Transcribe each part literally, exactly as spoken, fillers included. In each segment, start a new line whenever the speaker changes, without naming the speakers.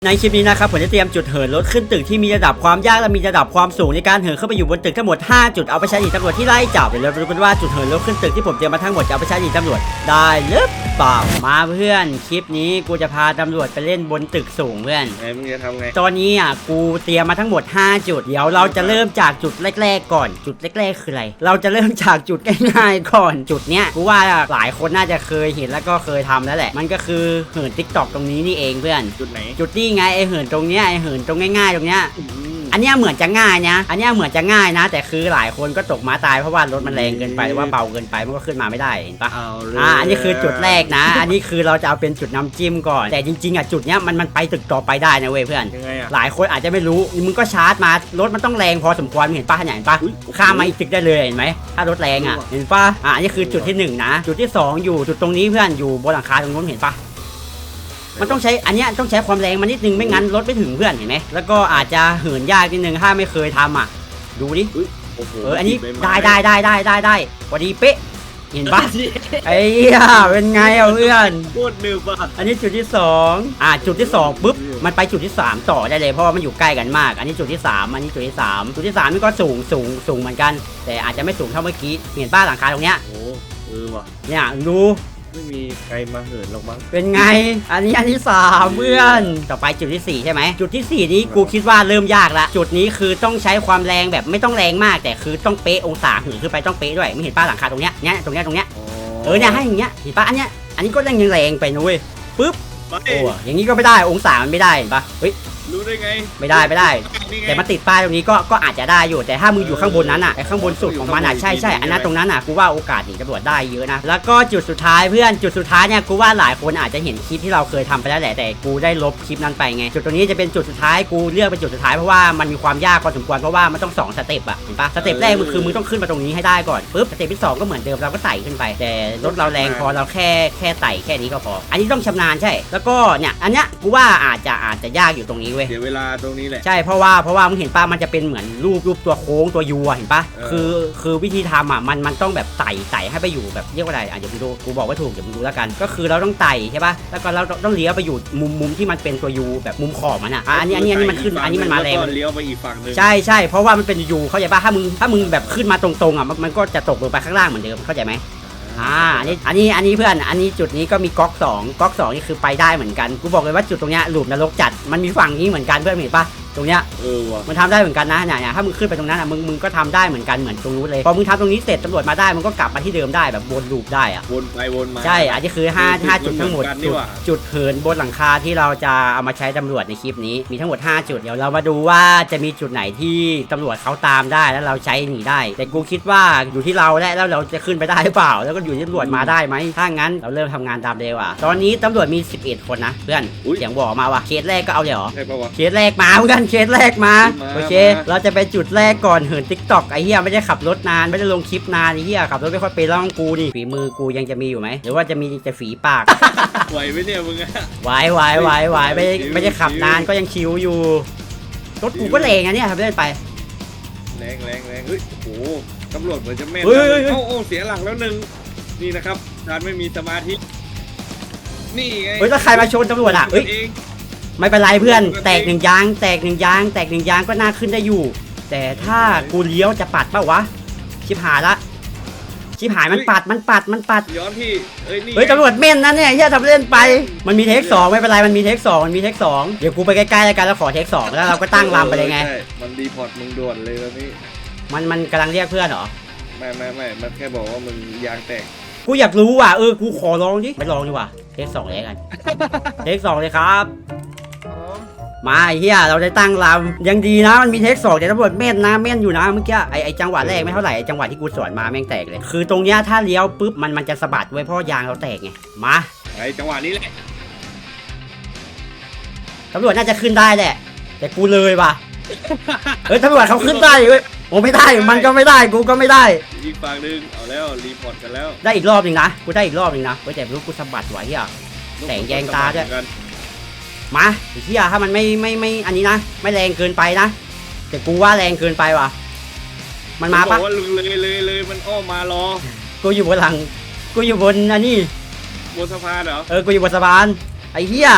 ในคลิปนี้นะครับผมจะเตรียมจุดเหินรถขึ้นตึกที่มีระดับความยากและมีระดับความสูงในการเหินเข้าไปอยู่บนตึกทั้งหมดห้าจุดเอาไปใช้หนีตำรวจที่ไล่จับเดี๋ยวเราดูกันว่าจุดเหินรถขึ้นตึกที่ผมเตรียมมาทั้งหมดจะเอาไปใช้หนีตำรวจได้หรือเปล่ามาเพื่อนคลิปนี้กูจะพาตำรวจไปเล่นบนตึกสูงเพื่อน
ไงมึงจะทำไง
ตอนนี้อ่ะกูเตรียมมาทั้งหมดห้าจุดเดี๋ยวเราจะเริ่มจากจุดแรกๆก่อนจุดแรกๆคืออะไรเราจะเริ่มจากจุดง่ายๆก่อนจุดเนี้ยกูว่าหลายคนน่าจะเคยเห็นแล้วก็เคยทำแล้วแหละมันก็คือเหินติ๊กต็อกตรงนี้นี่เองเพื่อน
จุดไหน
จุดนี้ไงไอเหินตรงเนี้ยไอเหินตรงง่ายๆตรงเนี้ยอันเนี้ยเหมือนจะง่ายนะอันเนี้ยเหมือนจะง่ายนะแต่คือหลายคนก็ตกม้าตายเพราะว่ารถมันแรงเกินไปหรือว่าเบาเกินไปมันก็ขึ้นมาไม่ได้เห็นปะอ่าอันนี้คือจุดแรกนะอันนี้คือเราจะเอาเป็นจุดน้ำจิ้มก่อนแต่จริงๆอ่ะจุดเนี้ยมันมันไปตึกต่อไปได้นะเว้ยเพื่อนหลายคนอาจจะไม่รู้มึงก็ชาร์จมารถมันต้องแรงพอสมควรเห็นปะเห็นปะข้ามมาอีกตึกได้เลยเห็นไหมถ้ารถแรงอ่ะเห็นปะอ่าอันนี้คือจุดที่หนึ่งนะจุดที่สองอยู่จุดตรงนี้เพื่อนอยู่บนหลังคาตรงนู้นเห็นปะมันต้องใช้อันเนี้ยต้องใช้ความแรงมันนิดนึงไม่งั้นรถไม่ถึงเพื่อนเห็นไหมแล้วก็อาจจะเหินยากนิดนึงถ้าไม่เคยทำอ่ะดูดิเอออันนี้ได้ได้ได้ได้ได้ได้พอดีเป๊ะเห็นปะไอ้เหี้ยเป็นไงอ่ะเพื่อน
โคตรหนึบอ่ะ
อันนี้จุดที่สองอ่าจุดที่สองปุ๊บมันไปจุดที่สามต่อได้เลยเพราะว่ามันอยู่ใกล้กันมากอันนี้จุดที่สามอันนี้จุดที่สามจุดที่สามนี่ก็สูงสูงสูงเหมือนกันแต่อาจจะไม่สูงเท่าเมื่อกี้เห็นป้าหลังคาตรงเนี้ย
โอ้เออว่ะ
เนี่ยดู
ไม่มีใครมาเหินหรอกมั้ง
เป็นไงอันนี้อันที่สามเพื่อนต่อไปจุดที่สี่ใช่ไหมจุดที่สี่นี้กูคิดว่าเริ่มยากละจุดนี้คือต้องใช้ความแรงแบบไม่ต้องแรงมากแต่คือต้องเป๊ะองศาหืนขึ้นไปต้องเป๊ะด้วยไม่เห็นป้าหลังคาตรงเนี้ยเนี้ยตรงเนี้ยตรงเนี้ยเออเนี่ยให้อย่างเงี้ยเห็นป้าอันเนี้ยอันนี้ก็แรงยังแรงไปนุ้ยปึ๊บโอ้อย่างนี้ก็ไม่ได้องศามันไม่ได้เห็นปะเฮ้ย
รู้ได้ไง
ไม่ได้ไม่ได้แต่มาติดป้ายตรงนี้ก็ก็อาจจะได้อยู่แต่ถ้ามึงอยู่ข้างบนนั้นอ่ะไอ้ข้างบนสุดของมันอ่ะใช่ใช่อันนั้นตรงนั้นอ่ะกูว่าโอกาสหนีตำรวจได้เยอะนะแล้วก็จุดสุดท้ายเพื่อนจุดสุดท้ายเนี่ยกูว่าหลายคนอาจจะเห็นคลิปที่เราเคยทำไปแล้วแหละแต่กูได้ลบคลิปนั้นไปไงจุดตรงนี้จะเป็นจุดสุดท้ายกูเลือกเป็นจุดสุดท้ายเพราะว่ามันมีความยากพอสมควรเพราะว่ามันต้องสองสเต็ปอ่ะเห็นปะสเต็ปแรกมึงคือมึงต้องขึ้นมาตรงนี้ให้ได้ก่อนปุ๊บสเต็ปที่สองก็เหมือนเดิมเราก็ไต่ขึ้นไปแต่รถเราแรงพอเราแค่แค่ไต่แค่นี้ก็พออันนี้ต้องชำนาญใช่แล้วก็เนี่ยอันเนี้ยกูว่าอาจจะอาจจะยากอยู่ตรงนี้เว้ย
เสียเวลาตรงนี้แหละ
ใช่เพราะว่าเพราะว่ามึงเห็นป่ะมันจะเป็นเหมือนรูปรูปตัวโค้งตัวยูอ่ะเห็นป่ะคือคือวิธีทำอ่ะมันมันต้องแบบไต่ไต่ให้ไปอยู่แบบเรียกว่าอะไรอ่ะเดี๋ยวมึงดูกูบอกว่าถูกเดี๋ยวมึงดูแล้วกันก็คือเราต้องไต่ใช่ป่ะแล้วก็เราต้องเลี้ยวไปอยู่มุมมุมที่มันเป็นตัวยูแบบมุมขอบมันอ่ะอันนี้อันนี้อันนี้มันขึ้นอันนี้มันมาแรง
เลี้ยวไปอีกฝั่งนึง
ใช่ใช่เพราะว่ามันเป็นยูเข้าใจป่ะถ้ามึงถ้ามึงแบบขึ้นมาตรงๆอ่ะมันก็จะตกลงไปข้างล่างเหมือนเดิมเข้าใจไหมอ่าอันนี้อันนี้อันนี้เพื่อนอันนี้จุดนี้ก็มีก๊อกสองก๊อกสองนี่คือไปได้เหมือนกันกูบอกเลยว่าจุดตรงเนี้ยหลุมนรกจัดมันมีฝั่งนี้เหมือนกันเพื่อนเห็นป่ะตรงเนี้ย
เออว่ะ
มันทำได้เหมือนกันนะเนี่ยถ้ามึงขึ้นไปตรงนั้นอ่ะมึงมึงก็ทำได้เหมือนกันเหมือนตรงนู้นเลยพอมึงทำตรงนี้เสร็จตำรวจมาได้มึงก็กลับมาที่เดิมได้แบบวนลูปได้อ่ะ
วนไปวนมา
ใช่อันนี้คือห้าห้าจุดทั้งหมดจุดจุดเหินบนหลังคาที่เราจะเอามาใช้ตำรวจในคลิปนี้มีทั้งหมดห้าจุดเดี๋ยวเรามาดูว่าจะมีจุดไหนที่ตำรวจเขาตามได้แล้วเราใช้หนีได้แต่กูคิดว่าอยู่ที่เราแล้วแล้วเราจะขึ้นไปได้หรือเปล่าแล้วก็อยู่ที่ตำรวจมาได้ไหมถ้างั้นเราเริ่มทำงานตามเร็วอ่ะตอนนี้ตำรวจมีสิบเอ็ดคนนะเพื่อนเสียงบอกมาว่ะเคสแรกก็เอาเลยเหรอเคสแรกมาเพื่อนเคสแรกมาโอเคเราจะไปจุดแรกก่อนเหินติ๊กต็อกไอ้เหี้ยไม่ได้ขับรถนานไม่ได้ลงคลิปนานไอ้เหี้ยขับรถไม่ค่อยเป็นแล้วกูนี่ฝีมือกูยังจะมีอยู่ไหมหรือว่าจะมีแต่ฝีปาก
ไหวไหมเนี่ยมึงอะ
ไหวไหวไหวไหวไม่ไม่ได้ขับนานก็ยังชิวอยู่รถกูก็แรงนะเนี่ยทำเล่นไป
แรงแรงแรงเฮ้ยโอ้ตำรวจเหมือนจะแม่นโอ้โอ้เสียหลักแล้วหนึ่งนี่นะครับการไม่มีสมาธินี่ไง
เฮ้ยถ้าใครมาชนตำรวจอ่ะเฮ้ยไม่เป็นไรเพื่อนแตกหนึ่งยางแตกหนึ่งยางแตกหนึ่งยางก็น่าขึ้นได้อยู่แต่ถ้ากูเลี้ยวจะปัดเปล่าวะชิบหายละชิบหายมันปัดมันปัดมันปัด
ย้อนพี่เอ้ยนี่
เฮ้ยตำรวจเม่นนะเนี่ยเฮียทำเล่นไปมันมีเทคสองไม่เป็นไรมันมีเทคสองมันมีเทคสองเดี๋ยวกูไปใกล้ๆแล้วกันแล้วขอเทคสองแล้วเราก็ตั้งลำไปเลยไง
มันดีพอร์ตมึงด่วนเลยตอนนี้
มันมันกำลังเรียกเพื่อนเหรอ
ไม่ไม่ไม่มันแค่บอกว่ามึงยางแตก
กูอยากรู้ว่ะเออกูขอลองดิไม่ลองดีกว่าเทคสองเลยกันเทคสองเลยครับมาไอ้เหี้ยเราได้ตั้งลำยังดีนะมันมีเทคสองแต่ตำรวจเม่นนะเม่นอยู่นะเมื่อกี้ไอไอจังหวะแรกไม่เท่าไหร่ไอจังหวะที่กูสวนมาแม่งแตกเลยคือตรงเนี้ยถ้าเลี้ยวปุ๊บมันมันจะสะบัดไว้เพราะยางเราแตกไงมา
ไอจังหวะนี้แหละ
ตำรวจน่าจะขึ้นได้แหละแต่กูเลยว่ะเฮ้ยตำรวจเขาขึ้นได้เว้ยโอ้ไม่ได้มันก็ไม่ได้กูก็ไม่ได้
อีกฝั่งนึงเอาแล้วรีพอร์ตกันแล้ว
ได้อีกรอบนึงนะกูได้อีกรอบนึงนะเฮ้ยแต่รู้กูสะบัดไหวเหี้ยแสงแยงตาด้วยมาไอ้เหี้ยถ้ามันไม่ไม่ไม่อันนี้นะไม่แรงเกินไปนะแต่กูว่าแรงเกินไปว่ะมันมาปะ
ว่าเลยเลยเลยมันอ้อมารอ
กูอยู่บนหลังกูอยู่บนอันนี้
บนสะพานเหรอ
เออกูอยู่บนสะพานไอ้เหี้ย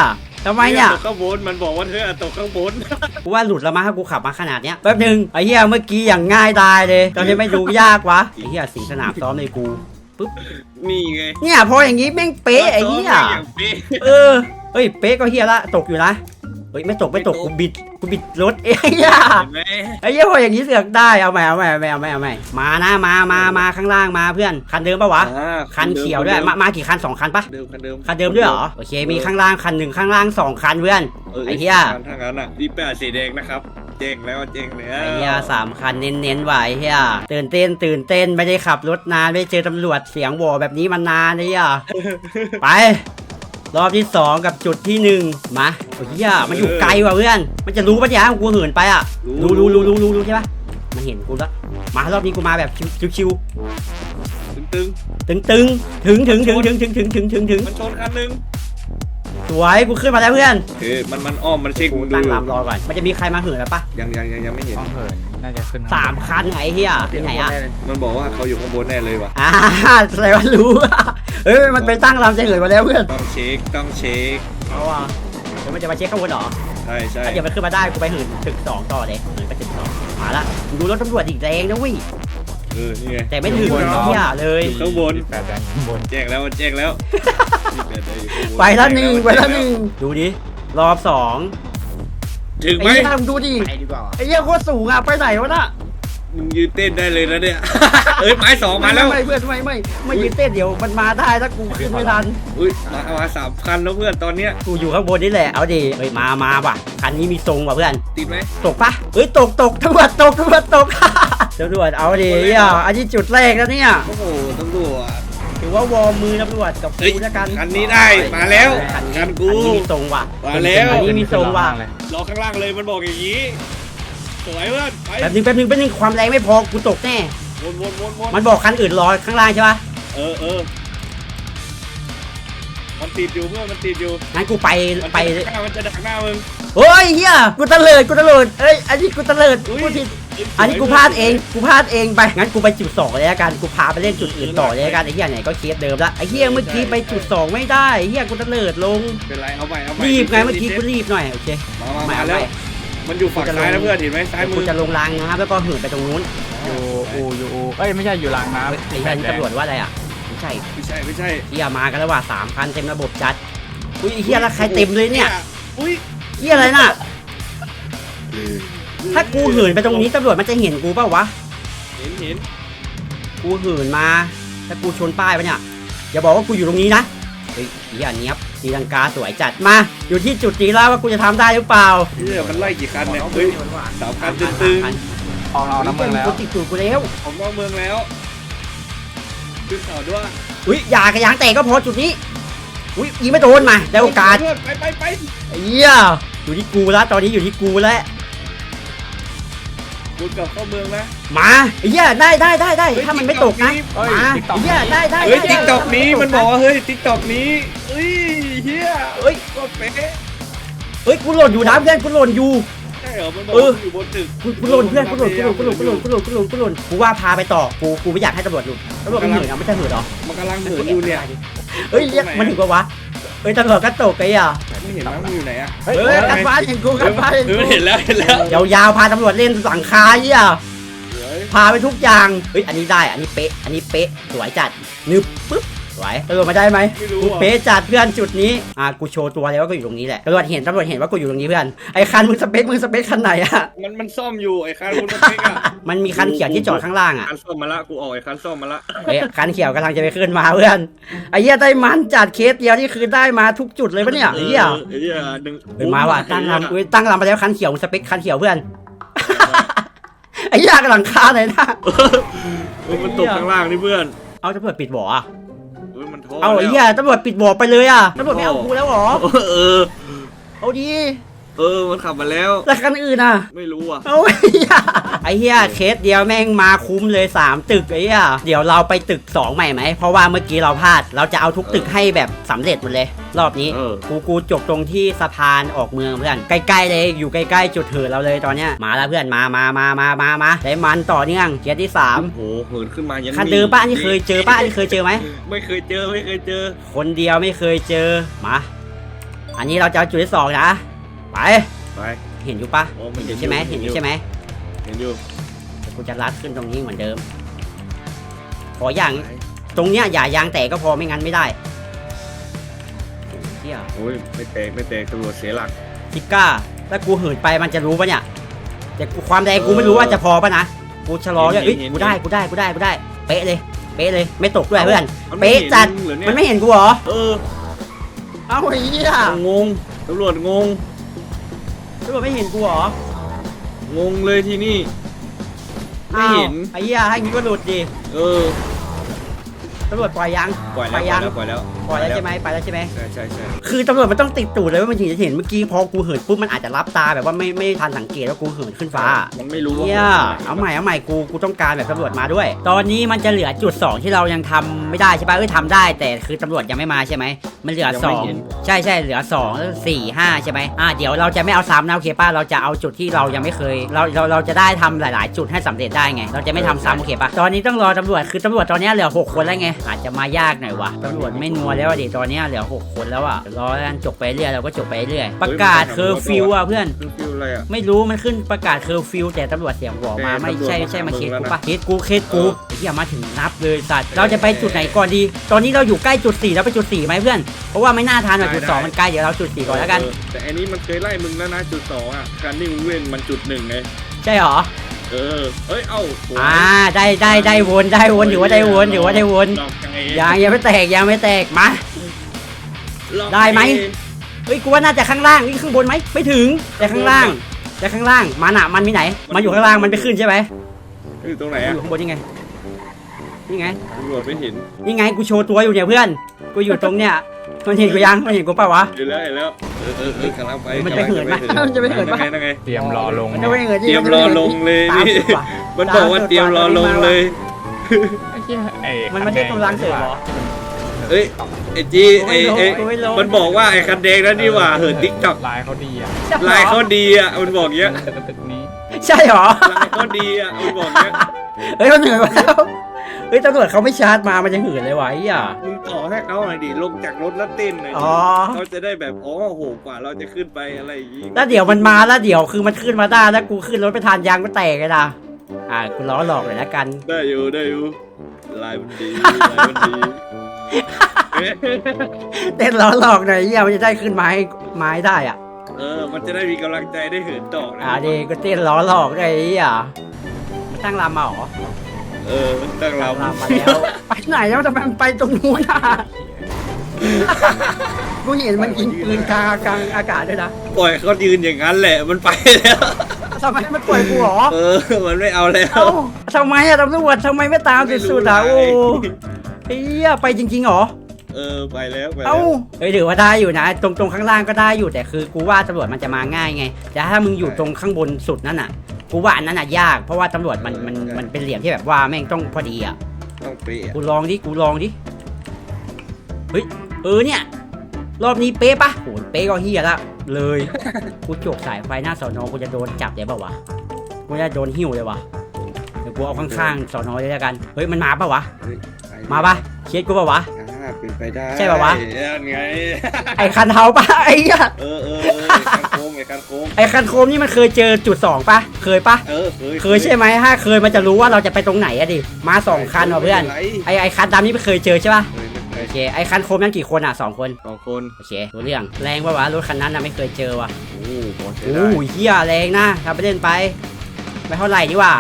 ทำไมเนี่ย
ตกข้างบนมันบอกว่าเธอตกข้างบน
กูว่าหลุดแล้วมั้งถ้ากูขับมาขนาดเนี้ยแป๊บนึงไอ้เหี้ยเมื่อกี้อย่างง่ายดายเลยตอนนี้ไม่ดูยากวะไอ้เหี้ยสิงสนามซ้อมเลยกูปุ๊บ
นี่ไง
เนี่ยพออย่างงี้แม่งเป๊ะไอ้เหี้ย
อย่างเป๊ะ
เออเฮ้ยเป๊ะก็เหี้ยละตกอยู่นะเฮ้ยไม่ตกไม่ตกกูบิดกูบิดรถเอ้ย
เห็นไหม
ไอ้เหี้ยพออย่างงี้เสือกได้เอาใหม่เอาใหม่เอาใหม่เอาใหม่เอาใหม่มานะมามามาข้างล่างมาเพื่อนคันเดิมปะวะ
อ่า
คันเขียวด้วยมามากี่คันสองคันปะ
เดิมคันเดิม
คันเดิมด้วยเหรอโอเคมีข้างล่างคันหนึ่งข้างล่างสองคันเพื่อน ไอ้เหี้ย
ทางนั้นอ่ะดีแปดสีแดงนะครับเจ๊งแล้วเจ๊งแล้ว
ไอ้เหี้ยสามคันเน้นๆว่ะไอ้เหี้ยตื่นเต้นตื่นเต้นไม่ได้ขับรถนานไม่ได้เจอตำรวจเสียงโหวแบบนี้มานานไอ้เหี้ยไปรอบที่สองกับจุดที่หนึ่งมาโอ้ยเหี้ยมันอยู่ไกลว่ะเพื่อนมันจะรู้ปะเนี่ยกูเหินไปอ่ะรู้รู้รู้รู้รู้รู้ใช่ปะมันเห็นกูแล้วมารอบนี้กูมาแบบชิว
ตึง
ๆตึงตึงๆถึงถึงถึงถึงถึงถึงถึงถึงถึง
ๆมันชนคันหนึง
สวยกูขึ้นมาแล้วเพื่อน
คือมันมันอ้อมมันเช็ค
กู
มึงดู
ตั้ง
อยู่
ลำรอก่อนมันจะมีใครมาเหินแล้วปะ
ยังยังยังยังไม่เห็น
ต้องเหินน่าจะขึ้น
สามคันไงไอ้เหี้ยที่ไหนอ่ะ
มันบอกว่าเขาอยู่ข้างบนแน่เลยว่ะ
อ่าแสดงว่ารู้ เฮ้ยมันไปตั้งลำจะเหินมาแล้วเพื่อน
ต้องเช็คต้องเช็ค
เอาอ่ะเดี๋ยวมันจะมาเช็คข้างบนเหรอ
ใช่ใช่
ถ้าเดี๋ยวมันขึ้นมาได้กูไปเหินตึกสองต่อเลยเหินไปตึกสองมาละกูดูรถตำรวจอีกแรงนะเว้ย
เออนี่ไง
แต่ไม่ถึงเหี้ยเลย
อยู่ข้างบน
แปดแดงข้างบน
แจ้งแล้วแจ้งแล้วยี่สิบแปดได้อยู่ข้างบน
ไปแล้วหนึ่งไปแล้วหนึ่งดูดิรอบสอง
ถึง
ไอ้
ไหม
เหี้ยมึงดูดิ
ไปดีกว่า
ไอ้เหี้ยโคตรสูงอ่ะไปไหนวะน่ะ
มึงยืนเต้นได้เลยนะเนี่ย เอ้ยไม้สองมาแล้ว
ไม่เพื่อนไม่ไม่ไม่ยืนเต้นเดี๋ยวมันมาได้ถ้ากูขึ้นไม่ทัน
อุ้ยมามาสามคันแล้วเพื่อนตอนเนี้ย
กูอยู่ข้างบนนี่แหละเอาดิเฮ้ยมามาว่ะคันนี้มีทรงว่ะเพื่อน
ติดไหม
ตกปะเฮ้ยตกตกตำรวจตกตำรวจตก ตำรวจเอาดิเหี้ยอันนี้จุดแรกแล้วเนี่ย
โอ้โหตำรวจ
ถือว่าวอร์มมือตำรวจกับ
เฮ้ย
กูแล้วกัน
คันนี้ได้มาแล้ว
คันนี้
คันกู
อันนี้มีทรงว่ะ
มาแล้ว
อันนี้มีทรงว่ะ
เลย
รอข้างล่างเลยมันบอกอย่างนี้สวยเพื่อนไป
แป๊บนึงแป๊บนึงแป๊บนึงความแรงไม่พอกูตกแน่
วนวนวนวน
มันบอกคันอื่นรอข้างล่างใช่ปะ
เออเออมันติดอยู่เพื่อนมันติดอยู่
งั้นกูไป
มัน
ไป
จะดักหน้ามันจะดักหน้ามึง
เฮ้ยเฮียกูตะเลิดกูตะเลิดเอ้ยอันนี้กูตะเลิด
อุ้ย
กูผิดอันนี้กูพลาดเองกูพลาดเองไปงั้นกูไปจุดสองเลยละกันกูพาไปเล่นจุดอื่นต่อเลยละกันไอ้เฮียไหนก็เคสเดิมละไอ้เฮียเมื่อกี้ไปจุดสองไม่ได้ไอ้เฮียกูตะเลิดลง
เป็นไรเอาใหม่เอาใหม่
รีบไงเมื่อกี้กูรีบหน่อยโอเค
มามา
ไม่
มา
เอา
แล้ว
ไม่
มันอยู่ฝั่งซ้ายนะเพื่อนเห็นไหมซ้ายมื
กู
อ
จะลงรางนะครับแล้วก็เหินไปตรงนู้น
อยู่อูอยู่อูเอ้ยไม่ใช่อยู่รางน้ำ
ไอ้เฮียนี่ตำรวจว่าอะไรอ่ะไม่ใช่
ไม่ใช่ไม่ใช่
เฮียมากันแล้วว่ะสามคันเต็มระบบจัดอุ้ยไอ้เฮียแล้วใครเต็มเลยเนี่ย
อุ้ย
เฮียอะไรน่ะถ้ากูเหินไปตรงนี้ตำรวจมันจะเห็นกูเปล่าวะ
เห็นเห็น
กูเหินมาถ้ากูชนป้ายปะเนี่ยอย่าบอกว่ากูอยู่ตรงนี้นะเฮ้ยเฮียเนี้ยบตีลังกาสวยจัดมาอยู่ที่จุดนี้แล้วว่ากูจะทำได้หรือเปล่า
เฮ้ยมันไล่กี่คันเนี่ยเฮ้ยสามคันตึง
ออกเราน้ำเมืองแล้ว
กูติดตูดกูแล้ว
ๆผมนอกเมืองแล้วขึ้นเขาด้วย
อุ้ยอย่ากระยางแตกก็พอจุดนี้อุ้ยยิงไม่โดนมาได้โอกาส
เพื่อนไปไปไป
เฮียอยู่ที่กูแล้วตอนนี้อยู่ที่กูแล้ว
บุญกับเข้าเมืองนะ
มาเฮียได้ได้ได้ได้
เฮ้ย
ถ้ามันไม่ตกนะ
เฮ้ย
มา
TikTok
เฮียได้ได้
เฮ้ย
ได้
ติ๊กต็อก
ได้
นี้มันบอกว่าเฮ้ยติ๊กต็อกนี้เฮ้ยเฮีย
เฮ้ย
ก็เป๊ะ
เฮ้ยกูหล่นอยู่นะเพื่อนกูหล่นอยู่
ใช่เหรอมันบอก
เออ
ว่าอยู่บนตึก
กูกูหล่นเพื่อนกูหล่นกูหล่นกูหล่นกูหล่นกูหล่นกูหล่นกูหล่นกูว่าพาไปต่อกูกูไม่อยากให้ตำรวจหลุดตำรวจมันเหินอ่ะไม่ใช่เหินหรอ
มันกำลังเหินอยู่เนี่ย
เฮ้ยเรียกมันถึงปะวะเฮ้ยตำรวจก็ตกไอ้อ่ะ
ไม่เห็นนะมันอยู่ไหนอะ
เฮ้ยกันฟ้าเห็นกูกันฟ้าเห็น
เอ
กู
อเห็นแล้วเห็นแล้ว
ยาวๆพาตำรวจเล่นหลังคาเหี้ย
เฮ้ย
พาไปทุกอย่างเฮ้ยอันนี้ได้อันนี้เป๊ะอันนี้เป๊ะสวยจัดนึบปึ๊บสวยตำรวจมาได้ไหม
ไม่รู้
กู
อ่ะ
เป๊ะจัดเพื่อนจุดนี้อ่ะกูโชว์ตัวแล้วว่ากูอยู่ตรงนี้แหละตำรวจเห็นตำรวจเห็นว่ากูอยู่ตรงนี้เพื่อนไอ้คันมึงสเปคมึงสเปคคันไหนอ่ะ
มันมันซ่อมอยู่ไอ้คันคุณสเปกอะ
มันมีคันเขียวที่จอดข้างล่างอ่ะ
คันซ่อมมาละกูออกไอ้คันซ่อมมาละ
เฮ้ยคันเขียวกำลังจะไปขึ้นมาเพื่อนไอ้เหี้ยได้มันจัดเคสเดียวนี่คือได้มาทุกจุดเลยปะเนี่ยไอ้เหี้ย
ไอ้เหี้ยดึง
เฮ้ยมาว่ะตั้งลำเฮ้ยตั้งลำไปแล้วคันเขียวมึงสเปคคันเขียวเพื่อน ไอ้เหี้ยกำลังคาเลยนะ
เฮ้ยมันตกข้างล่างนี่เพื่อน
เอาตำรวจปิดบ่ออ่ะ
เฮ้ยมันโทษ
เอาไอ้เหี้ยตำรวจปิดบ่อไปเลยอ่ะตำรวจไม่เอากูแล้วเหรอ
เออ
เอาดี
เออมันขับมาแล้ว
แล้วคันอื่นอ่ะ
ไม่รู้อ่ะ
เอาไอ้เหี้ยไอ้เหี้ยเคสเดียวแม่งมาคุ้มเลยสามตึกไอ้เหี้ยเดี๋ยวเราไปตึกสองใหม่ไหมเพราะว่าเมื่อกี้เราพลาดเราจะเอาทุกตึกให้แบบสำเร็จหมดเลย รอบนี้
เออ
กูกูจบตรงที่สะพานออกเมืองเพื่อนใกล้ๆเลยอยู่ใกล้ๆจุดเถิดเราเลยตอนเนี้ยมาแล้วเพื่อนมามามามามามาได้มันต่อเนื่องเคสที่สาม
โอ้โหเหินขึ้นมายัง
คันเดิมป้าอันนี้เคยเจอป้าอันนี้เคยเจอไหม
ไม่เคยเจอไม่เคยเจอ
คนเดียวไม่เคยเจอมาอันนี้เราจะเอาจุดที่สองนะไป
ไป
เห็นอยู่ปะ
โอ้มัน
เห็นอยู่ใช่ไหม
เห็
เห็น
น
อ
อยู่
ยู่ใช่ไหม
เห็นอยู่
เดี๋ยวกูจะลัดขึ้นตรงนี้เหมือนเดิม ขออย่างตรงเนี้ยอย่ายางแตกก็พอไม่งั้นไม่ได้เฮีย
โอ้ยไม่แตกไม่แตกตำรวจเสียหลัก
ทิกก้าถ้ากูเหินไปมันจะรู้ปะเนี่ยแต่กูความแรงกูไม่รู้ว่าจะพอปะนะกูชะลอด้วยเอ้ยกูได้กูได้กูได้กูได้เป๊ะเลยเป๊ะเลยไม่ตกด้วยเพื่อน
มันไม่
เป๊ะ
ห็น
จัด
เหรอเนี่ย
มันไม่เห็นกูเหรอ
เออ
เอ้าไอ้เหี้ย
งงตำรวจงง
ตำรวจไม่เห็นกูเหรอง
งเลยที่นี่ ไม่เห็น
อ้าวไอ้เหี้ยให้งี้ก็หลุดดิ
เออ
ตำรวจปล่อยยัง
ปล่อยแล้ว
ยัง
ปล่อยแล้ว
ปล่อยแล้วใช่ไหมไปแล้วใช่ไหม
ใช่ใช่ใช่
คือตำรวจมันต้องติดตูดเลยว่ามันถึงจะเห็นเมื่อกี้พอกูเหินปุ๊บมันอาจจะรับตาแบบว่าไม่ไม่ทันสังเกตว่ากูเหินขึ้นฟ้า
มันไม่รู้ว่า
เนี่ยเอาใหม่เอาใหม่กูกูต้องการแบบตำรวจมาด้วย ตอนนี้มันจะเหลือจุดสองที่เรายังทำไม่ได้ใช่ปะเอ้ยทำได้แต่คือตำรวจยังไม่มาใช่ไหมมันเหลือสองใช่ใช่เหลือสองสี่ห้าใช่ไหมอ่าเดี๋ยวเราจะไม่เอาซ้ำนะโอเคป้าเราจะเอาจุดที่เรายังไม่เคย เราเราเราจะได้ทำหลาย ๆ จุดให้สำเร็จได้ไง เราจะไม่ทำซ้ำโอเคปะตอนนี้ต้องรอตำรวจคือตำรวจตอนนี้เหลือหกคนแล้วไงอาจจะมายากหน่อยวะตำรวจไม่นัวแล้วอะดิตอนนี้เหลือหกคนแล้วอ่ะรอแล้วกันจบไปเรื่อยเราก็จบไปเรื่อยประกาศเคอร์ฟิวอ่ะเพื่อน
คือฟิวอะไรอ่ะ
ไม่รู้มันขึ้นประกาศเคอร์ฟิวแต่ตำรวจเสียงหัวมา
แต่
ไม่ใช่
ตำรวจ
ใช่มา
มา
เคส
หา
กู
มึงแล้วนะ
ปะเคสกูเคสกู
เออ
เฮียมาถึงนับเลยสัตว์เราจะไปจุดไหนก่อนดี ตอนนี้เราอยู่ใกล้จุดสี่แล้วไปจุดสี่ไหมเพื่อนเพราะว่าไม่น่าทันหรอกจุดสองมันใกล้เดี๋ยวเราจุดสี่ก่อนแล้วกัน
เออแต่อันนี้มันเคยไล่มึงแล้วนะจุดสองอ่ะการนิ่งเว้นมันจุดหนึ่งไง
ใช่หรอ
เออเอ้ยเอ้าโย
อ่าได้ได้ได้วนได้วนถือว่าได้วนถือว่าได้วน
หลอกยังไง
ยังยังไม่แตกยังไม่แตกมา
หลอก
ได้ไหม เฮ้ยกูว่าน่าจะข้างล่างนี่ข้างบนไหมไม่ถึงแต่ข้างล่างแต่ข้างล่างมันอะมันมีไหนมันอยู่ข้างล่างมันไปขึ้นใช่ไหม
อยู่ตรงไหน
อ
อ่ะ
ยู่ข้างบนนี่ไงนี่ไง
ตำรวจไม่เห็น
นี่ไงกูโชว์ตัวอยู่เนี่ยเพื่อนกูอยู่ตรงเนี้ยมันเห็นกูยังมันเห็นกูเปล่าวะ
เห็นแล้วเห็นแล้วเออเออเออกำลังไป
มันจะเหินไหม
กำลัง
มันจะไม่เหินปะ
นั่งไงนั่งไง
เตรียมรอลง
มันจะไม่เหิน
เตรียมรอลงเลย
ตาม
นี่
สุดว่ะ
มันบอกว่าเตรียมรอลงเลย
ไอ้เหี้ยไอ้
มันไม่ใช่กำลังเสริมเหรอ
เอ้ยไอจีไอไอ
กูไม่ลง
มันบอกว่าไอคันแดงนั่นนี่หว่าเหินติ๊กต็อก
ลายเขาดีอ่ะ
ลายเขาดีอ่ะมันบอกเงี้ย
ตึกนี้
ใช่เหรอ
ลายเขาดีอ่ะมันบอกเงี้ย
เฮ้ยมันเหนื่อยกว่าแล้วเฮ้ยตำรวจเขาไม่ชาร์จมามันจะเหินเลยวะไอ้เหี้ย
มึงต่อให้เขาหน่อยดิลงจากรถแล้วเต้นหน่อยดิ
อ๋อ
เขาจะได้แบบอ๋อโหกว่าเราจะขึ้นไปอะไรอย่างงี้
แล้วเดี๋ยวมันมาแล้วเดี๋ยวคือมันขึ้นมาได้แล้วกูขึ้นรถไปทานยางก็แตกเลยนะอ่ากูล้อหลอกเลยละกัน
ได้อยู่ได้อยู่ลายมันดีลายมันดี
เต้นล้อหลอกหน่อยไอ้เหี้ยมันจะได้ขึ้นไม้ไม้ได้อ่ะ
เออมันจะได้มีกำลังใจได้เหินต่อนะ
อ่าดีกูเต้นล้อหลอกเลยไอ้เหี้ยมันตั้งลำมาเหรอ
เออตั้งเรา
ตั้งลำมาแล้วไปไหนแล้วทำไมมันไปตรงนู้นอ่ะกูเห็นมันยิงปืนกลางกลางอากาศด้วยนะ
ปล่อยเขายืนอย่างนั้นแหละมันไปแล้ว
ทำไมมันปล่อยกูเหรอ
เออมันไม่เอาแล้ว
เอ้าทำไมอะตำรวจทำไมไม่ตามสุดๆอ่ะโอ้เฮียไปจริงๆเหรอ
เออไปแล้วไปแล้
เอ้าว เฮ้ยถือว่าได้อยู่นะ ตรงตรงข้างล่างก็ได้อยู่แต่คือกูว่าตำรวจมันจะมาง่ายไงแต่ถ้ามึงอยู่ตรงข้างบนสุดนั่นอ่ะกูว่าอันนั้นอ่ะยากเพราะว่าตำรวจมันมันมันเป็นเหลี่ยมที่แบบว่าแม่งต้องพอดีอ่ะ
ต้องเปรี้ย
กูลองดิกูลองดิเฮ้ยเออเนี่ยรอบนี้เป๊ะปะโหเป๊ะก็เฮียละเลยกูโจกสายไฟหน้าสอนอกูจะโดนจับเลยเปล่าวะกูจะโดนหิ้วเลยวะเดี๋ยวกูเอาข้างๆสอนอเลยแล้วกันเฮ้ยมันมาปะวะ
เฮ้ยไป
มาปะเคสกูปะวะ
อ่าเป็นไปได้
ใช่ป่าววะ
ยังไง
ไอ้คันเทาปะไอ้เหี้ย
เออเออเออไอ้การโค้งไอ้การโค้ง
ไอ้คันโคมนี่มันเคยเจอจุดสองปะเคยปะ
เออเคย
เคยใช่ไหมถ้าเคยมันจะรู้ว่าเราจะไปตรงไหนอะดิมาสองคันว่ะเพื่อน
ไม่
ไอ้ไอ้คันดำนี่ไม่เคยเจอใช่ปะ
เคยไม่เค
โอย เคไอ้คันโคมนั่นกี่คนอ่ะสองคน
สองคน
โอเครู้เรื่องแรงปะวะรถคันนั้นนะไม่เคยเจอว่ะ
โอ้โหใช้
โอ้
ได้
ยเฮียแรงนะทำไปเล่นไปไม่เท่าไหร่ดีกว่า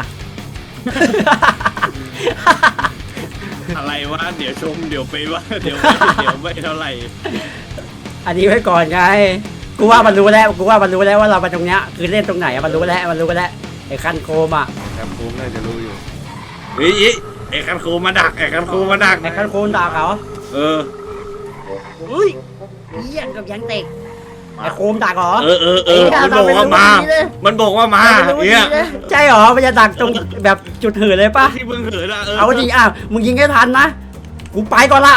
อะไรวะเดี๋ยวชมเดี๋ยวไปว่าเดี๋ยวเดี๋ยวไม่เท่าไหร่
อันนี้ไว้ก่อนไงกูว่ามันรู้แล้วกูว่ามันรู้แล้วว่าเราไปตรงเนี้ยคือเล่นตรงไหนอะมันรู้แล้วมันรู้แล้วไอ้คันโคมอ่ะ
การโค้งน่าจะรู้อยู่เฮ้ยเฮ้ยไอ้การโค้งมาดักไอ้การโค้งมาดัก
ไอ้คันโคมด่าเขา
เออ
อุ้ยเหี้ยกับยังเตกไอ้โคมดักเหรอ
เออเออเออมันบอกว่ามา มันบอกว่ามาเนี่ย
ใช่เหรอมันจะดักตรงแบบจุดเหินเลยปะ
ที่มึงเหินอะเออ
เอาดิอ่ะมึงยิงให้ทันนะกูไปก่อนละ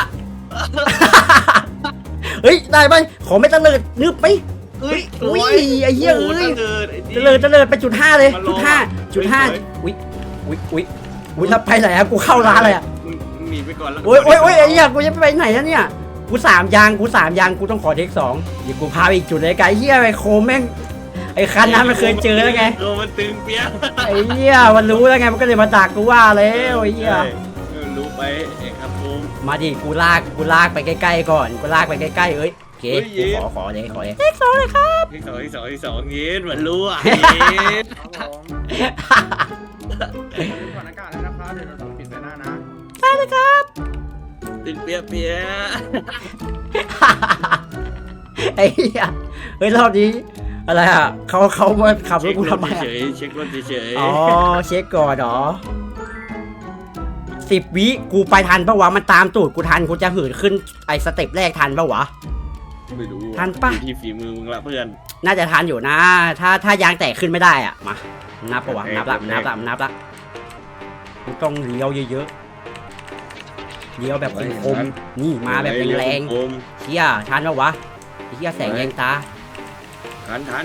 เฮ้ยได้ไหมขอไม่ตะเลิดนึบไป
เอ้ย
อุ้ยไอ้เหี้ยเอ้ย
โโห
ตะเลิดตะเลิดไปจุดห้าเลย
มันรอ
จุดห้าจุดห้า
เฮ้ย
อุ้ยอุ้ยอุ้ยอุ้ยแล้วไปไหนอะกูเข้าร้านเลยอะ
มึงมึงหนีไปก่อนแล้ว
โอ้ยโอ้ยโอ้ยไอ้เหี้ยกูจะไปไหนแล้วเนี่ยกูสามยางกูสามยางกูต้องขอเทคสองเดี๋ยวกูพาไปอีกจุดเลยไกลเหี้ยไอ้โคมแม่งไอ้คันนั้นมันเคยเจอแล้วไง
โอ้มันตึงเปี้ย
ไอ้เหี้ยมันรู้แล้วไงมันก็เลยมาดักกูว่าแล้วไอ้เหี้ย
เออรู้ไปเอกครับผม
มาดิกูลากกูลากไปใกล้ๆก่อนกูลากไปใกล้ๆเอ้ยโอเคกูขอขอเลยขอเลยเทคสองเลยครับ
ที่สองที่สองที่สองเย็นมันรู้อ่ะเย็น
ครับผมก่อนอากาศแล้วนะครับเดี๋ยวเราต้องปิดไปหน้านะ
ได้เลยครับ
ตึงเปี้ยเปี้ย
ไอ้เหี้ยเฮ้ยรอบนี้อะไรอ่ะเขาเขามาขับรถกูทำไม
เฉ
อะ
ยเช็ครถเฉย
อ๋อเช็คก่อนเหรอสิบวิกูไปทันปะวะมันตามตูดกูทันกูจะหืนขึ้นไอ้สเต็ปแรกทันปะวะ
ไม่รู้
ทันปะ
ที่ฝีมือมึงละเพื่อน
น่าจะทันอยู่นะ ถ้าถ้ายางแตกขึ้นไม่ได้อ่ะมานับปะวะ
แตก
นับละ
แตก
นับละนับละกูต้องเลี้ยวเยอะๆเลี้ยวแบบคมๆนี่มาแบบแรง
โอม
ๆเชี่ยทันปะวะไอ้เชี่ยแสงแยงตา
ทันทัน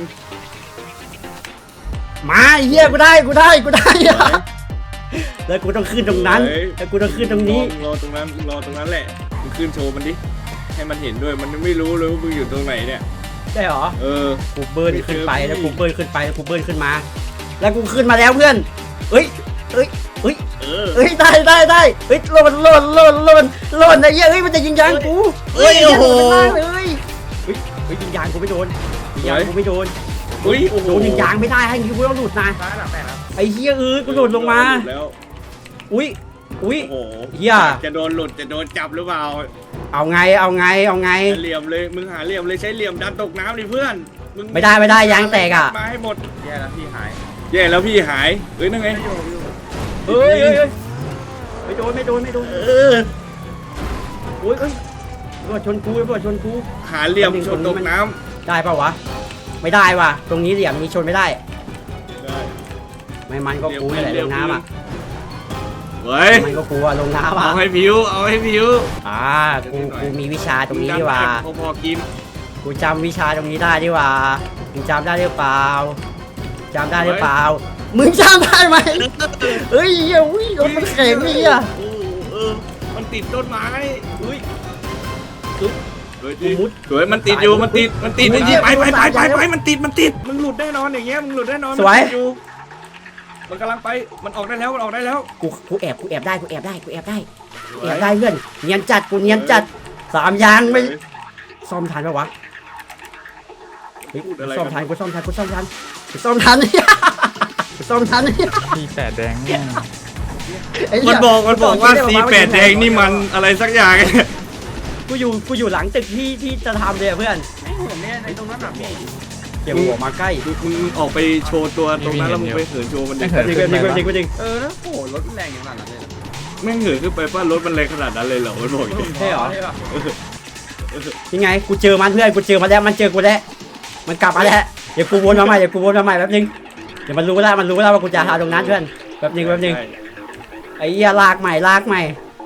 มาไอ้เฮียกูได้กูได้กูได้อะแล้วกูต้องขึ้นตรงนั้นแล้วกูต้องขึ้นตรงนี้
รอตรงนั้นรอตรงนั้นแหละมึงขึ้นโชว์มันดิให้มันเห็นด้วยมันไม่รู้เลยว่ามึงอยู่ตรงไหนเนี่ย
ได้เหรอ
เออ
กูเบิร์นขึ้นไป
ไม่เจอ
แล้วกูเบิร์นขึ้นไปแล้วกูเบิร์นขึ้นมา แล้วกูขึ้นมาแล้วเพื่อนเอ้ยเอ้ยเอ้ย
เออ
เอ้ยได้ได้ได้เฮ้ยโลนโลนโลนโลนโลนไอ้เหี้ยเฮ้ยมันจะยิงยางกูเฮ้ยโอ้โหเลยเฮ้ยเฮ้ยยิงยางกูไม่โดนยิงยางกูไม่โดน
อุ้ยโอ้โห
โดนยิงยางไม่ได้ให้ยิงกูต้องหลุดนะ
ซ้ายหลังแปดครับ
ไอ้เหี้ยเอ้ยกูหลุดลงมา
แล้ว
อุ้ยอุ้ย
โอ้โห
เหี้ย
จะโดนหลุดจะโดนจับหรือเปล่า
เอาไงเอาไงเอาไง
เหลี่ยมเลยมึงหาเหลี่ยมเลยใช้เหลี่ยมดันตกน้ำดิเพื่อนมึง
ไม่ได้ไม่ได้ยางแตกอ่ะ
มาให้หมด
แย่แล้วพี่หาย
แย่แล้วพี่หายเอ้ยนั่นไง
อยู่อยู่
เฮ้ยเฮ้ยเฮ้ยไม่โดนไม่โดนไม่โดน
เออ
โอ้ยเอ้ยตำรวจชนกูตำรวจชนกู
หาเหลี่ยมชนตกน้ำ
ได้ปะวะไม่ได้ว่ะตรงนี้เหลี่ยมนี้ชนไม่ได้
ได้
ไม่มันก็กูนี่แหละลงน้ำอ่ะ
เฮ้ย
มันก็กูอะลงน้ำอ่ะ
เอาให้ผิวเอาให้ผิว
อ่ากูกูมีวิชาตรงนี้ดีว่า
พอพอกิน
กูจำวิชาตรงนี้ได้ดีว่ามึงจำได้หรือเปล่าจำได้หรือเปล่ามึงจำได้ไหมเฮ้ยเฮ้ยอุ้ยรถมันแข็งนี่อ่ะ
โอ้เออมันติดต้นไม้
อุ้ย
สวยดิสวยมันติดอยู่มันติดมันติด
โอ้ย
ไปไปไปไป
โอ้ย
ไปมันติดมันติดมึงหลุดแน่นอนอย่างเงี้ยมึงหลุดแน่นอน
สวย
มันติดอยู่มันกำลังไปมันออกได้แล้วมันออกได้แล้ว
กูกูแอบกูแอบได้กูแอบได้กูแอบได้กูแอบได้เพื่อนเนียนจัดกูเนียนจัดสามยางไม่ซ่อมทันปะวะเฮ้ย
พูดอะไร
ซ่อมทันกูซ่อมทันกูซ่อมทันกูซ่อมทันเนี่ยกูซ่อมทันเนี่ย
พี่แปดแดงเนี่ย
ไเหี้
มั
ย
นบอกมันบอกว่า
กู
สี
ซ่อม
แปดแดงนี่มันอะไรสักอย่าง
กูอยู่กูอยู่หลังตึกที่ที่จะทำเลยอะเพื่อน
ไม่ผมเนี่ยในตรงนั้นแบบพี่
เดี๋ยวหัวมาใกล้
มึงออกไปโชว์ตัวตรงนั้นแล้วมึงไปเหินโชว์มันดิ
จริงจริงจริงจริงจริง
เออแล้วโอ้โหรถแรงอย่างนั้นเลย
แม่งเหินขึ้นไปป้ารถมันแรงขนาดนั้นเลยเหรอมันบอกอย่างงี้
ใช่เหรอ
ใช่ป่ะ
ยังไงกูเจอมันเพื่อนกูเจอมาแล้วมันเจอกูแล้วมันกลับมาแล้วเดี๋ยวกูวนมาใหม่เดี๋ยวกูวนมาใหม่แป๊บนึงเดี๋ยวมันรู้แล้วมันรู้แล้วว่ากูจะหาตรงนั้นเพื่อนแป๊บนึงแป๊บนึง
ใช่
ไอ้เหี้ยลากใหม่ลากใหม่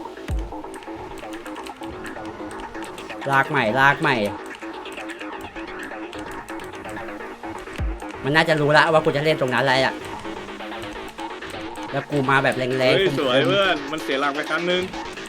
ลากใหม่ลากใหม่ มันน่าจะรู้แล้วว่ากูจะเล่นตรงนั้นอะไรอ่ะแล้วกูมาแบบแรง
เฮ้ย
ๆ
สวยเพื่อนมันเสียหลักไปครั้งนึง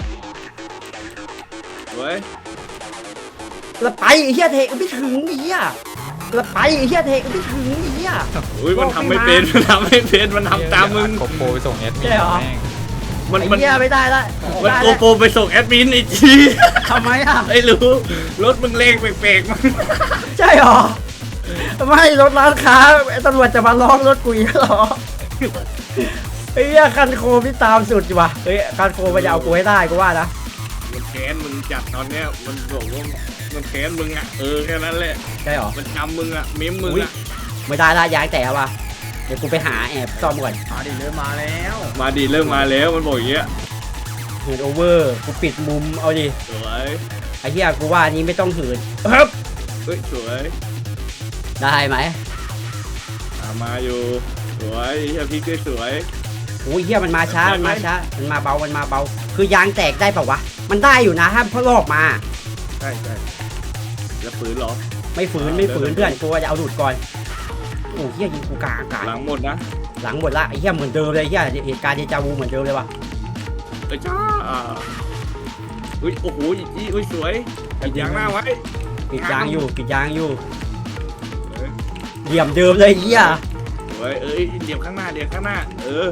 สวย
แล้วไปไอ้เหี้ยเทไม่ถึงไอ้เหี้ยแล้วไปไอ้เหี้ยเทไม่ถึงไอ้เหี้ย
อุ้ยมันทำไม่เป็นมันทำไม่เป็นมันทำตามมึง
โกโปรไปส่งเอส
ใช่เหรอ
มัน
ไอ้
มัน
เหี้ยไม่ได้ละ
มัน
ได้
โก
ละ
โปรไปส่งแอดมินอีกที
ทำไมอ่ะ
ไม่รู้รถมึงเลงแปลกๆมั้ง
ใช่เหรอไม่รถร้านค้าไอ้ตำรวจจะมาล้อมรถกูอีกเหรอไอ้เหี้ยคันโคมที่ตามสุดอยู่ว่ะเฮ้ยคันโคมมันจะเอากูให้ได้กูว่านะ
มันแค้นมึงจัดตอนเนี้ยมันบอกว่ามันแค้นมึงอ่ะเออแค่นั้นแหละ
ใช่เหรอ
มันจำมึงอ่ะเม้มมึง
อุ๊ย
อ่ะ
ไม่ได้ละย้ายแต่ว่ะเดี๋ยวกูไปหาแอบซ่อมก่อน
มาดิเริ่มมาแล้ว
มาดีเริ่มมาแล้วมันบอกอย่างเงี้ย
เหินโอเวอร์กูปิดมุมเอาดิ
สวย
ไอ้เหี้ยกูว่าอันนี้ไม่ต้องเหินครับ
เฮ้ยสวย
ได้ไหม
อ่ะมาอยู่สวยเฮียพี่ก็สวย
โอ้ยเหี้ยมันมาช้ามันมาช้ามันมาเบามันมาเบา คือยางแตกได้เปล่าวะมันได้อยู่นะถ้าเพราะลอกมา
ใช่ใช่จะฝืนเหรอ
ไม่ฝืนไม่ฝืนเพื่อนกูว่าจะเอาดูดก่อนโอ้เหี้ยยิงกูกลางอากาศ
หลังหมดนะ
หลังหมดละไอ้เหี้ยเหมือนเดิมเลยไอ้เหี้ยเหตุการณ์เดจาวูเหมือนเดิมเลยว่ะ
เอ้ยจ้าอุ้ยโอ้โหอีกทีอุ้ยสวยปิดยางหน้าไว้
ปิดยางอยู่ปิดยางอยู่เหลี่ยมเดิมเลยเฮีย
เฮ้ยเอ้ยเหลี่ยมข้างหน้าเหลี่ยมข้างหน้าเออ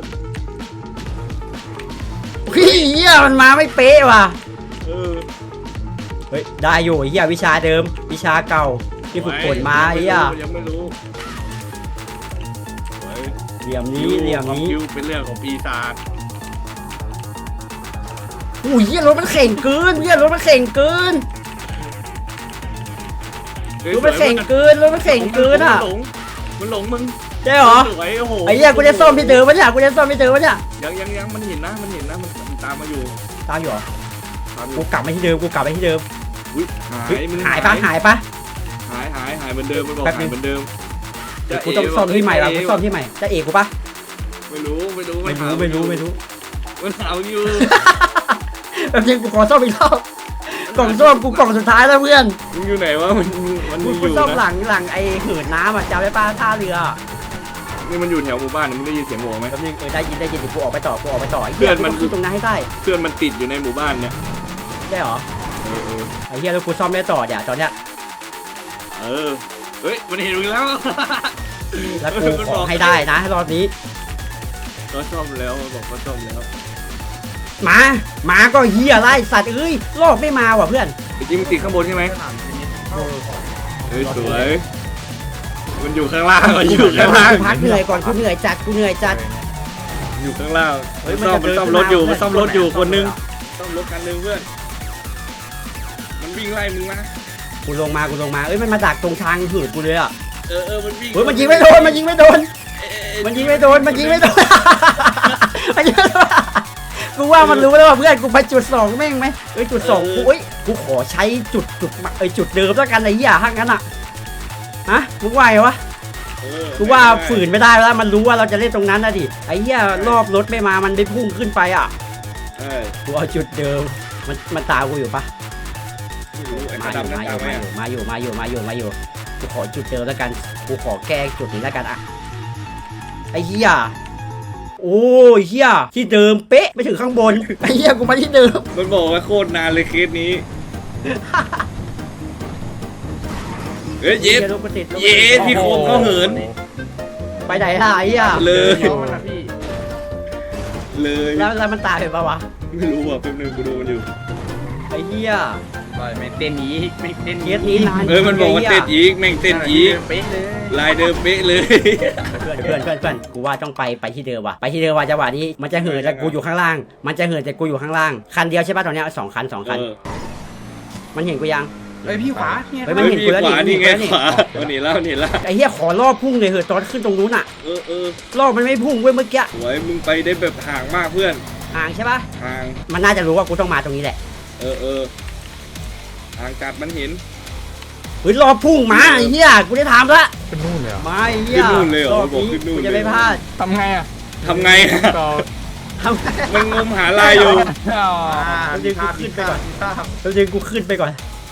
พี่เฮียมันมาไม่เป๊ะว่ะ
เออ
เฮ้ยได้อยู่เฮียวิชาเดิมวิชาเก่าที่ฝึกฝนมาเฮีย
ยังไม่รู้เฮ้ย
เหลี่ยมนี้เหลี่ยมนี้
คิวเป็นเรื่องของปีศาจ
อุ้ยเฮียรถมันเข่งเกินเฮียรถมันเข่งเกินรถมันเข่งเกินรถมันเข่งเกินอ่ะ
หลงมันหลงมึง
ใช่เหรอ
สวยโอ้โห
ไอ้เฮียกูจะซ่อมที่เดิมวะเนี่ยกูจะซ่อมที่เดิมวะเนี่ย
ยังยังยังมันเห็นนะมันเห็นนะมันตามมาอยู่
ตามอยู่เหรอ
ตามอ
กู
ยู่
กลับมาที่เดิมกูกลับไปที่เดิม
อุ้ยหา
เฮ้ย
ยมึง
หายปะหายปะ
หายหายหายเหมือนเดิมมันบอก
แป๊บนึ
หาย
ง
เหมือนเดิม
เดี๋ยวกูต้องซ่อมที่ใหม่ว่ะกูซ่อมที่ใหม่จะเอกกูปะ
ไม่รู้ไม่รู้
ไม่รู้ไม่รู้ไม่รู้
มันเอาอยู่
แป๊บนึงกูขอซ่อมอีกรอบกล่องซ่อมกูกล่องสุดท้ายแล้วเพื่อน
มึงอยู่ไหนวะมันมัน
กู
มีอ
กู
ยู่
ซ่อมห
นะ
ลังหลังไอ้เหินน้ำอ่ะจำได้ปะท่าเรือ
นี่มันอยู่แถวหมู่บ้านมึงได้ยินเสียงหัวไหม
แป๊บนึงเออได้ยินได้ยินเดี๋ยวกูออกไปต่อกูออกไปต่อไอ้
เพื่
เหี้ย
อน
กู
มัน
ต้องขึ้นตรงนั้นให้ได้
เพื่อนมันติดอยู่ในหมู่บ้านเนี่ย
ได้เหรอ
เออเออ
ไอ้เหี้ยแล้วกูซ่อมไม่ต่อเดี๋ยวตอนเนี้ย
เออเฮ้ยมันเห็นมึงแล้ว
แล้วกูขอให้ได้นะรอบนี้
ก็ซ่อมแล้วมันบอกก็ซ่อมแล้ว
มามาก็เหี้ยไล่สัตว์เอ้ยรอบไม่มาว่ะเพื่อน
จริงมันติดข้างบนใช่ไหม
สนามเทนนิสเข้าของ
เฮ้ยสวยมันอยู่ข้างล่างมันอยู่ข้างล่าง
พักเหนื่อยก่อนกูเหนื่อยจัดกูเหนื่อยจัด
อยู่ข้างล่าง
เฮ้ย
มันซ่อม
มัน
มัน
จะ
ซ่อม
เดิ
ร
น
ถอยู่
ขึ้นมา
มันซ่อมรถอยู่
เพื่
ค
อน
นนึงซ่อมรถคันนึงเพื่อนมันวิ่งไล่มึงนะ
กูลงมากูลงมาเอ้ยมันมาดักตรงทางหืดกูเลยอ่ะ
เออเออมันวิ่ง
เฮ้ยมันยิงไม่โดนมันยิงไม่โดน
เอ้ย
มันยิงไม่โดนมันยิงไม่โดน มันยิงไม่โดนกูว่ามันรู้แล้วว่าเพื่อนกูไปจุดสองแม่งไหมเอ้ยจุดสองกูเอ้ยกูขอใช้จุดจุดเอ้ยจุดเดิมแล้วกันไอ้เหี้ยถ้างั้นอ่ะฮะมึงว่าไงวะ
เออ
กูว่าฝืนไม่ได้แล้วมันรู้ว่าเราจะเล่นตรงนั้นนะดิไอ้เหี้ยรอบรถไม่มามันได้พุ่งขึ้นไปอ่ะ
เออ
กูเอาจุดเดิมมันมันตามกูอยู่ปะ
ไม่รู้ไอ้
มาอยู่
ดำนั่น
มาอ
ตาม
ยู่
ไหม
มาอยู่มาอยู่มาอยู่มาอยู่มาอยู่กูขอจุดเดิมแล้วกันกูขอแก้จุดนี้แล้วกันอ่ะไอ้เหี้ยโอ้ยเหี้ยที่เดิมเป๊ะไม่ถึงข้างบนไอ้เหี้ยกูมาที่เดิม
มันบอกว่าโคตรนานเลยเคสนี้เฮ้ยเย็ด
รถกูติดรถกูติด
เย็ดพี่โคมเขาเหิน
ไปไหนล่ะไอ้เหี้ย
เลย
น้องมันนะพี่
เลย
แล้วแล้วมันตายไปปะวะ
ไม่รู้อ่ะแป๊บนึงกูดูมันอยู่
ไอ้เหี้ย
ปล่อยไม่เต้นนี้ไม่เต้น
เคสนี้นาน
เออมันบอกว่าเต้นอีกแม่งเต้นอีก
เป๊ะเลย
ลายเดิมเป๊ะเลย
เพื่อนเพื่อนเพื่อนเพื่อนกูว่าต้องไปไปที่เดิมว่ะไปที่เดิมว่ะจังหวะนี้มันจะเหินแต่กูอยู่ข้างล่าง มันจะเหินแต่กูอยู่ข้างล่างคันเดียวใช่ป่ะตอนเนี้ยสองคันสองคัน
เออ
มันเห็นกูยัง
เฮ้ยพี่ขวาเนี่ย
เฮ้ย
เฮ้ย
เห็น
มี
กูแล้ว
ขวา
นี่
นี่ไง
เห็นกู
ข
แล้ว
วาเอาหนีแล้วหนีแล้ว
ไอ้เหี้ยขอรอบพุ่งเลยเหอะตอนขึ้นตรงนู้นอะ
เออเออ
รอบมันไม่พุ่งเว้ยเมื่อกี้
สวยมึงไปได้แบบห่างมากเพื่อน
ห่างใช่ป่ะ
ห่าง
มันน่าจะรู้ว่ากูต้องมาตรงนี้แหละ
เออเออห่างจัดมันเห็น
เฮ้ยรอบพุ่งมาไอ้เหี้ยกูได้ถามละ
เป็นนู่นเลยเหรอ
มาไอ้เหี้ย
ขึ้นนู่นเลยเหรอ
รอบ
บอก
นี้
ขึ้นนู่น
กู
เลย
จะไม่พลาด
ทำไงอ่ะ
ทำไงอะ
ต่อ
ทำไง
มันงมหาลายอยู่
อ๋อ
แล้วดึงกูขึ้นไปก่อนแล้วดึงกูขึ้นไปก่อน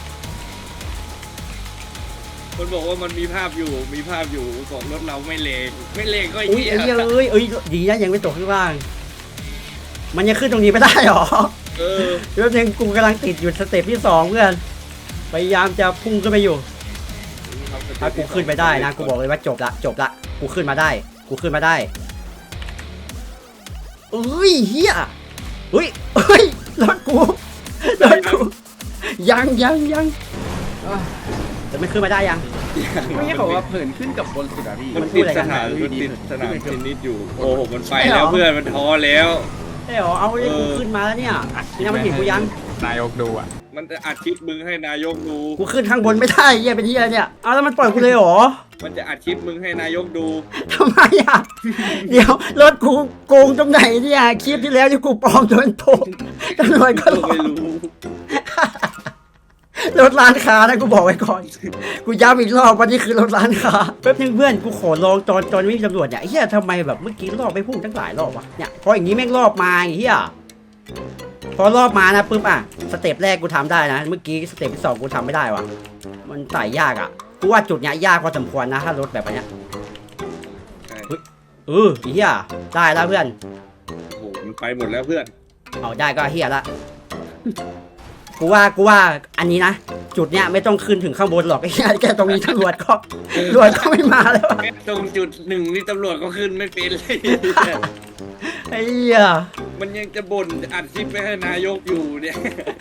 คนบอกว่ามันมีภาพอยู่มีภาพอยู่ของรถเราไม่เลงไม่เลงก็ไอ้
อุ้ย
เหี้ย
ไอ้เหี้ยเอ้ยเอ้ยดีนะยังไม่ตกข้างล่าง มันยังขึ้นตรงนี้ไม่ได้หรอ
เออ
เดี๋ยวยังกูกำลังติดอยู่สเต็ปที่สองเพื่อนพยายามจะพุ่งขึ้นไปอยู่ถ้ากูขึ้นไปได้นะกูบอกเลยว่าจบละจบละกูขึ้นมาได้ กูขึ้นมาได้เอ้ยเฮียเฮ้ยเฮ้ยรถกูรถกูยังยังยังแต่ไม่ขึ้นมาได้ยัง
ไม่ใช่บอกว่าเผินขึ้นกับบนสุดอะพี่
มัน
พู
ติ
ด
ด
อะไรกั
ส
น
นามมันติดสนามเทนนิสอยู่โอ้โหมันไปแล้วเพื่อนมันท้อแล้ว
เอ้ยเหรอเอาไอ้กูขึ้นมาแล้วเนี่ยนี่นะมันเห็นกูยัง
นายกดูอ่ะ
มันจะอัดคลิปมึงให้นายกดู
กูขึ้นข้างบนไม่ได้เฮียเป็นเฮียเนี่ยเอาแล้วมันปล่อยกูเลยเหรอ
มันจะอัดคลิปมึงให้นายกดู
ทำไมอ่ะ เดี๋ยวรถกูโกงตรงไหนเนี่ยคลิปที่แล้วที่กูปลอมโดนโกงตำรวจก็หลอก
ไม่รู้
รถร้านค้านะกูบอกไว้ก่อน กูย้ำอีกรอบว่านี่คือรถร้านค้าแป๊บนึงเพื่อนกูขอลองตอนตอนไม่มีตำรวจเนี่ยเฮียทำไมแบบเมื่อกี้รอบไปพุ่งตั้งหลายรอบวะเนี่ยพออย่างนี้แม่งรอบมาไอ้เฮียพอรอบมานะปุ๊บอ่ะสเต็ปแรกกูทำได้นะเมื่อกี้สเต็ปที่สองกูทำไม่ได้วะมันไต่ยากอ่ะกูว่าจุดเนี้ยยากพอสมควรนะถ้ารถแบบเนี้ย
ใช่
เออไอ้เฮียได้แล้วเพื่อน
โอ้โหมันไปหมดแล้วเพื่อน
เอาได้ก็เฮียละ กูว่ากูว่าอันนี้นะจุดเนี้ยไม่ต้องขึ้นถึงข้างบนหรอกไอ้เหี้ยแค่ตรงนี้ตำรวจก็ตำรวจก็ไม่มาแล้ว
แค่ตรงจุดหนึ่งนี่ตำรวจก็ขึ้นไม่เป็นเลย
ไอ้เหี้ย
มันยังจะบ่นอัดคลิปไปให้นายกอยู่เนี่ย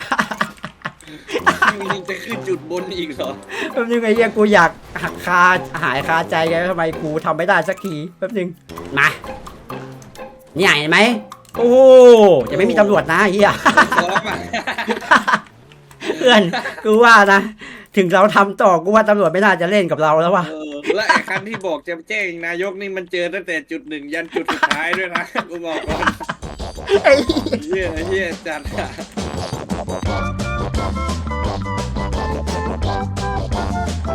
มันยังจะขึ้นจุดบนอีกเหรอ
แป๊บนึงไอ้เหี้ยกูอยากหักคาหายคาใจไงทำไมกูทำไม่ได้สักทีแป๊บนึงมาเนี่ยเห็นไหมโอ้จะไม่มีตำรวจนะไอ้เหี้ย
พร้อมอ่ะ
เพื่อนกูว่านะถึงเราทำต่อกูว่าตำรวจไม่น่าจะเล่นกับเราแล้วว่ะ
เออและไอ้คันที่บอกจะแจ้งนายกนี่มันเจอตั้งแต่จุดหนึ่งยันจุดสุดท้ายด้วยนะ กูบอกก่อน
ไอ้
เฮียเฮียจัดอะ